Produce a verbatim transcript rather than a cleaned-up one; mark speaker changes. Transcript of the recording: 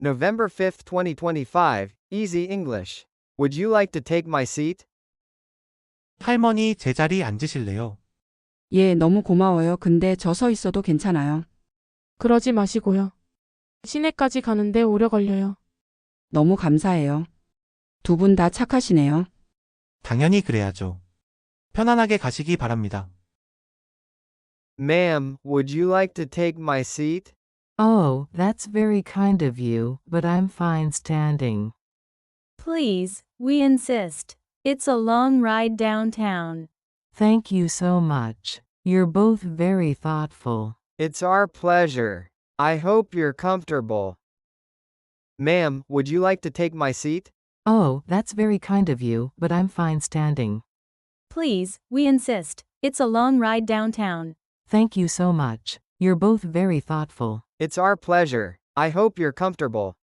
Speaker 1: November fifth, twenty twenty-five, Easy English. Would you like to take my seat?
Speaker 2: 할머니, 제 자리 앉으실래요?
Speaker 3: 예, 너무 고마워요. 근데 저 서 있어도 괜찮아요.
Speaker 4: 그러지 마시고요. 시내까지 가는데 오래 걸려요.
Speaker 3: 너무 감사해요. 두 분 다 착하시네요.
Speaker 2: 당연히 그래야죠. 편안하게 가시기 바랍니다.
Speaker 1: Ma'am, would you like to take my seat?
Speaker 5: Oh, that's very kind of you, but I'm fine standing.
Speaker 6: Please, we insist. It's a long ride downtown.
Speaker 5: Thank you so much. You're both very thoughtful.
Speaker 1: It's our pleasure. I hope you're comfortable. Ma'am, would you like to take my seat?
Speaker 5: Oh, that's very kind of you, but I'm fine standing.
Speaker 6: Please, we insist. It's a long ride downtown.
Speaker 5: Thank you so much. You're both very thoughtful.
Speaker 1: It's our pleasure. I hope you're comfortable.